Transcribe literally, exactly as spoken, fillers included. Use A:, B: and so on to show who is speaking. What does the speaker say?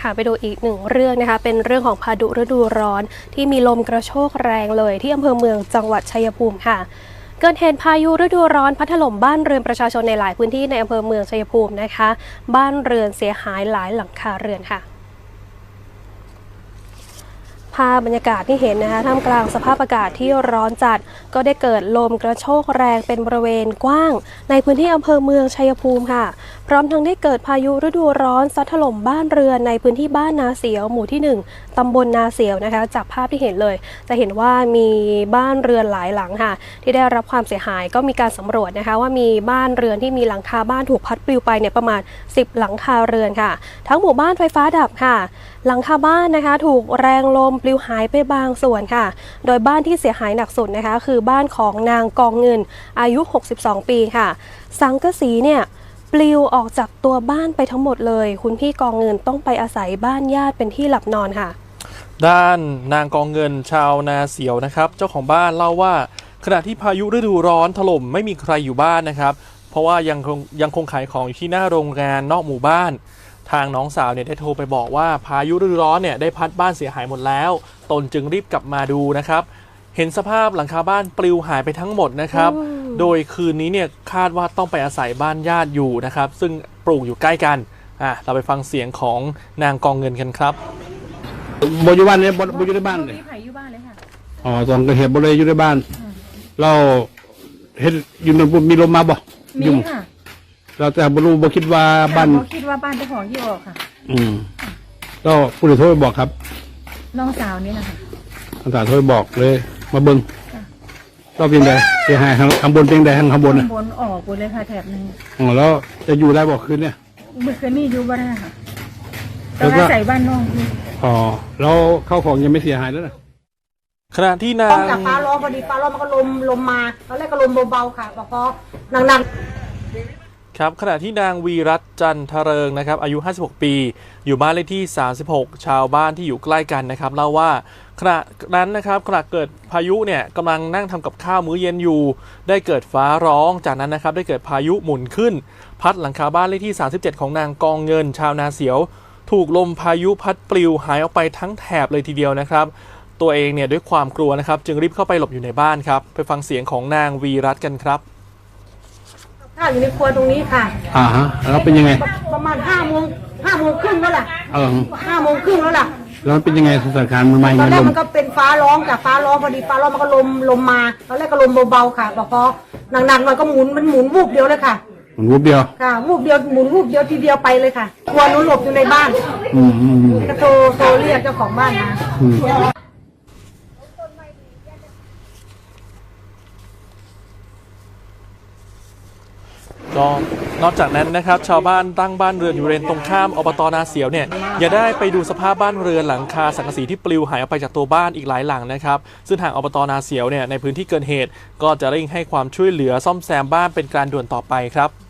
A: ค่ะไปดูอีกหนึ่งเรื่องนะคะเป็นเรื่องของพายุฤดูร้อนที่มีลมกระโชกแรงเลยที่อำเภอเมืองจังหวัดชัยภูมิค่ะเกิดเหตุพายุฤดูร้อนพัดถล่มบ้านเรือนประชาชนในหลายพื้นที่ในอำเภอเมืองชัยภูมินะคะบ้านเรือนเสียหายหลายหลังคาเรือนค่ะภาพบรรยากาศที่เห็นนะคะท่ามกลางสภาพอากาศที่ร้อนจัดก็ได้เกิดลมกระโชกแรงเป็นบริเวณกว้างในพื้นที่อำเภอเมืองชัยภูมิค่ะพร้อมทั้งได้เกิดพายุฤดูร้อนซัดถล่มบ้านเรือนในพื้นที่บ้านนาเสียวหมู่ที่หนึ่งตำบลนาเสียวนะคะจากภาพที่เห็นเลยจะเห็นว่ามีบ้านเรือนหลายหลังค่ะที่ได้รับความเสียหายก็มีการสำรวจนะคะว่ามีบ้านเรือนที่มีหลังคาบ้านถูกพัดปลิวไปเนี่ยประมาณสิบหลังคาเรือนค่ะทั้งหมู่บ้านไฟฟ้าดับค่ะหลังคาบ้านนะคะถูกแรงลมปลิวหายไปบางส่วนค่ะโดยบ้านที่เสียหายหนักสุดนะคะคือบ้านของนางกองเงินอายุหกสิบสองปีค่ะสังกะสีเนี่ยปลิวออกจากตัวบ้านไปทั้งหมดเลยคุณพี่กองเงินต้องไปอาศัยบ้านญาติเป็นที่หลับนอนค่ะ
B: ด้านนางกองเงินชาวนาเสียวนะครับเจ้าของบ้านเล่าว่าขณะที่พายุฤดูร้อนถล่มไม่มีใครอยู่บ้านนะครับเพราะว่ายังคงยังคงขายของอยู่ที่หน้าโรงงานนอกหมู่บ้านทางน้องสาวเนี่ยได้โทรไปบอกว่าพายุฤดูร้อนเนี่ยได้พัดบ้านเสียหายหมดแล้วตนจึงรีบกลับมาดูนะครับเห็นสภาพหลังคาบ้านปลิวหายไปทั้งหมดนะครับโดยคืนนี้เนี่ยคาดว่าต้องไปอาศัยบ้านญาติอยู่นะครับซึ่งปลูกอยู่ใกล้กันอ่ะเราไปฟังเสียงของนางกองเงินกันครับ
C: บอยู่บ้านเนี่ยบอยู่ในบ้านเลย
D: มีไผ่อยู่บ้านเลยค่ะ
C: อ๋อตอนเกิดเหตุบเลยอยู่ในบ้านเราเห็นอยู่ในมีลมมาบ่
D: มีค่ะ
C: เราแต่บรู้บ่คิดว่าบ้าน
D: บ่คิดว่าบ้านเจ้าของที่ออกค่ะ
C: อืมก็ผู้ใดโทรไปบอกครับ
D: น้องสาวนี่นะคะ
C: น้องสาวโทรไปบอกเลยมาเบิ่งเราเป็นไงเสียหายข้างบนเป็นไงข้างบน
D: ข้างบนออกหมดเลยค่ะแถบนึง
C: อ๋อแล้วจะอยู่ได้บอกคืนเนี่ย
D: เมื่อคืนนี้อยู่บ้านค่ะแล้วก็ใส่บ้านน้อง
C: อ๋อแล้วเข้าของยังไม่เสียหายแล้วนะ
B: ขณะที่นาง
E: จากฟ้าร้องพอดีฟ้าร้องมันก็ลมลมมาตอนแรกก็ลมเบาๆค่ะพอหนัก
B: ๆครับขณะที่นางวีรัตน์จันทเริงนะครับอายุห้าสิบหกปีอยู่บ้านเลขที่สามสิบหกชาวบ้านที่อยู่ใกล้กันนะครับเล่าว่าขณะนั้นนะครับขณะเกิดพายุเนี่ยกำลังนั่งทำกับข้าวมื้อเย็นอยู่ได้เกิดฟ้าร้องจากนั้นนะครับได้เกิดพายุหมุนขึ้นพัดหลังคาบ้านเลขที่สามสิบเจ็ดของนางกองเงินชาวนาเสียวถูกลมพายุพัดปลิวหายออกไปทั้งแถบเลยทีเดียวนะครับตัวเองเนี่ยด้วยความกลัวนะครับจึงรีบเข้าไปหลบอยู่ในบ้านครับไปฟังเสียงของนางวีรัตน์กันครับ
E: ข้าวอยู่ในครัวตรงนี้ค่ะ
C: อ่าฮะแล้วเป็นยังไง
E: ประมาณห้าโมงห้าโมงครึ่งแล้วล่ะ
C: เออ
E: ห้าโมงครึ่งแล้วล่ะ
C: แล้วเป็นยังไงสถานการณ์มันมา
E: ตอนแรกมันก็เป็นฟ้าร้องจากฟ้าร้องพอดีฟ้าร้องมันก็ลมลมมาตอนแรกก็ลมเบาๆค่ะพอหนักๆหน่อยก็หมุนมันหมุนวูบเดียวเลยค่ะ
C: หมุนวูบเดียว
E: ค่ะวูบเดียวหมุนวูบเดียวทีเดียวไปเลยค่ะครัวนู้นหลบอยู่ในบ้าน
C: อืมอืม
E: ก็โทรโทรเรียกเจ้าของบ้านมา
B: ก็นอกจากนั้นนะครับชาวบ้านตั้งบ้านเรือนอยู่บริเวณตรงข้ามอบต.นาเสียวเนี่ยอย่าได้ไปดูสภาพบ้านเรือนหลังคาสังกะสีที่ปลิวหายออกไปจากตัวบ้านอีกหลายหลังนะครับซึ่งทางอบต.นาเสียวเนี่ยในพื้นที่เกิดเหตุก็จะเร่งให้ความช่วยเหลือซ่อมแซมบ้านเป็นการด่วนต่อไปครับ